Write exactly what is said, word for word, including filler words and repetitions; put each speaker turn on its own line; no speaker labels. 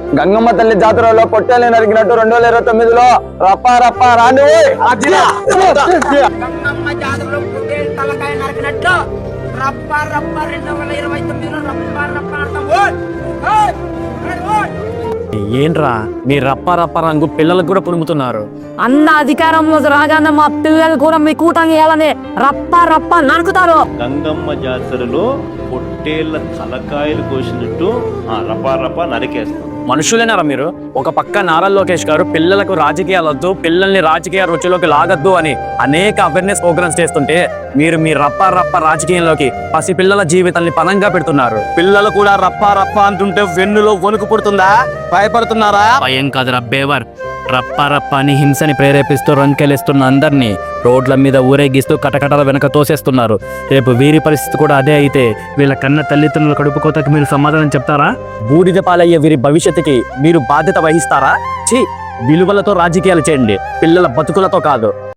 గంగమ్మ తల్లి జాతరలో పొట్టేలు నరికినట్టు రెండు వేల ఇరవై తొమ్మిదిలో రప్ప రప్ప రాని
గంగమ్మ జాతరలో పొట్టేలు తలకాయ నరికినట్టు రప్ప రప్ప రెండు వేల ఇరవై తొమ్మిదిలో రప్ప రప్ప
ఏంట్రా మీ రప్ప రప్ప రంగు పిల్లలకు కూడా పులుముతున్నారు.
అన్న అధికారంలో రాగానే మా పిల్లలు కూడా మీ కూటమి వేయాలని రప్ప రప్ప నరుకుతారు.
గంగమ్మ జాతరలో పొట్టేళ్ల తలకాయలు కోసినట్టు ఆ రపా రపా నరికేస్తాం.
మనుషులేనారా మీరు? ఒక పక్క నారా లోకేష్ గారు పిల్లలకు రాజకీయాలు వద్దు, పిల్లల్ని రాజకీయ రుచిలోకి లాగద్దు అని అనేక అవేర్నెస్ ప్రోగ్రామ్స్ చేస్తుంటే మీరు మీ రప్ప రప్ప రాజకీయంలోకి పసి పిల్లల జీవితాన్ని పనంగా పెడుతున్నారు. పిల్లలు కూడా రప్ప రప్ప అంటుంటే వెన్నులో వణుకు పుడుతుందా? భయపడుతున్నారా? భయం కాదురా బేవర్. రప్ప రప్ప అని హింసని ప్రేరేపిస్తూ రంకెలేస్తున్న అందరినీ రోడ్ల మీద ఊరేగిస్తూ కటకటాల వెనక తోసేస్తున్నారు. రేపు వీరి పరిస్థితి కూడా అదే అయితే వీళ్ళ కన్న తల్లిదండ్రుల కడుపు కోతకి మీరు సమాధానం చెప్తారా? బూడిద పాలయ్యే వీరి భవిష్యత్తుకి మీరు బాధ్యత వహిస్తారా? ఛీ, విలువలతో రాజకీయాలు చేయండి, పిల్లల బతుకులతో కాదు.